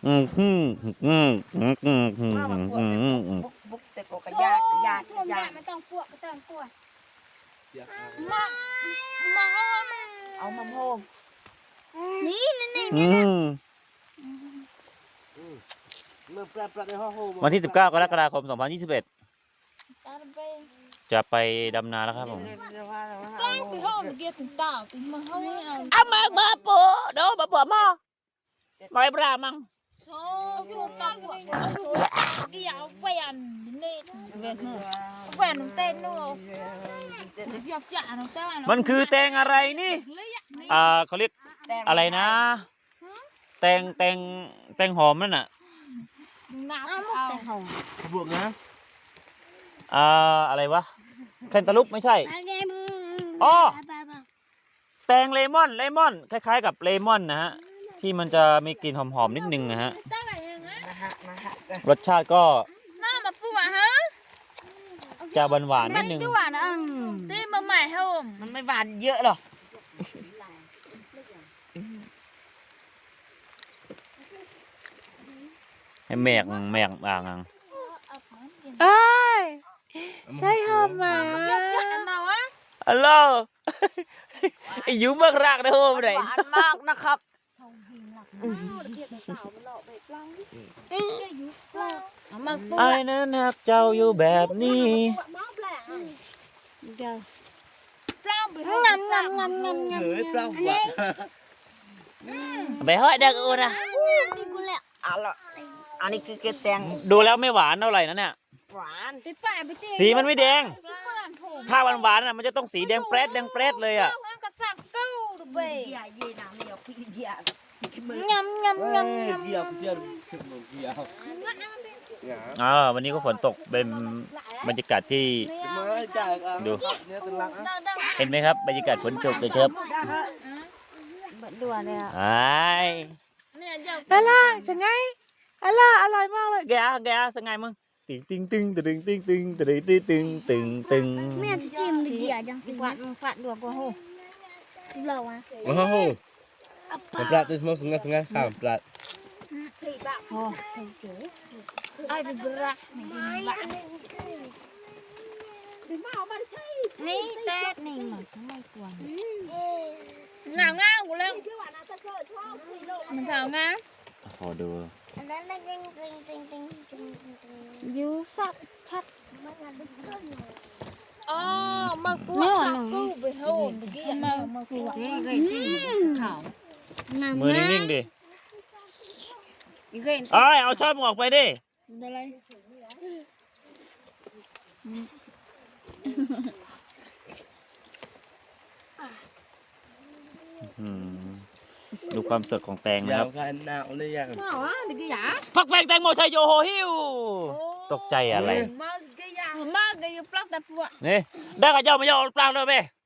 บุกแต่ก็ยากท่วมได้ไม่ต้องปวดไม่ต้องปวดมาเอามาโฮมนี่วันที่19 กรกฎาคม 2021จะไปดำนาแล้วครับผมเอามาปูโดมาปูมอไปปลามังโซ่ชูตังกี่เอาแฟนนี่แฟนน้องเต้นนู่นอยากจ่าน้องเต้นมันคือแตงอะไรนี่เขาเรียกอะไรนะแตงหอมนั่นน่ะน้ำเอาบวกนะอะไรวะแคนตาลูปไม่ใช่อ๋อแตงเลมอนคล้ายๆกับเลมอนนะฮะที่มันจะมีกลิ่นหอมๆนิดนึงนะฮะรสชาติก็น้ามาปูอ่ะฮะจะหวานๆนิดนึงตีมาใหม่ให้ผมมันไม่หวานเยอะหรอกให้แมกอ่างใช่หอมมาฮัลโหลไอ้ยูมากรากนะโฮมไหนหวานมากนะครับไอ้นั้นหักเจ้าอยู่แบบนี้ไปห้อยเด็กอูนะอันนี้คือแตงดูแล้วไม่หวานเท่าไหร่นะเนี่ยหวานสีมันไม่แดงถ้าหวานมันจะต้องสีแดงเปรดเลยอ่ะวันนี้ก็ฝนตกเป็นบรรยากาศที่ดูเห็นไหมครับบรรยากาศฝนตกเลยครับไอ้ล่ะสังไงอร่อยมากเลยแกสังไงมึงตึงแม่จะจิ้มดีอ่ะจังฟาดดวงก็โหเราอ่ะโอ้โหปลาตัวสมองสงะข้ามปลาโอ้ไอ้เป็นบลักนี่เต้นนี่หมดทำไมกลัวง่ากูแล้วมันขาวง่าขอดูยูสับชัดอ๋อมาปวดกู้ไปโหมตะกี้มาปวดขาวมือนิ่งๆดิเอาช้อนออกไปดิอะไรดูความสดของแตงนะครับฟักแฟงแตงโมชัยโยโฮฮิวตกใจอะไรมาเกยปลักแต่ปวดนี่ได้กับเจ้าไม่ยอมปลักเลยเว้ย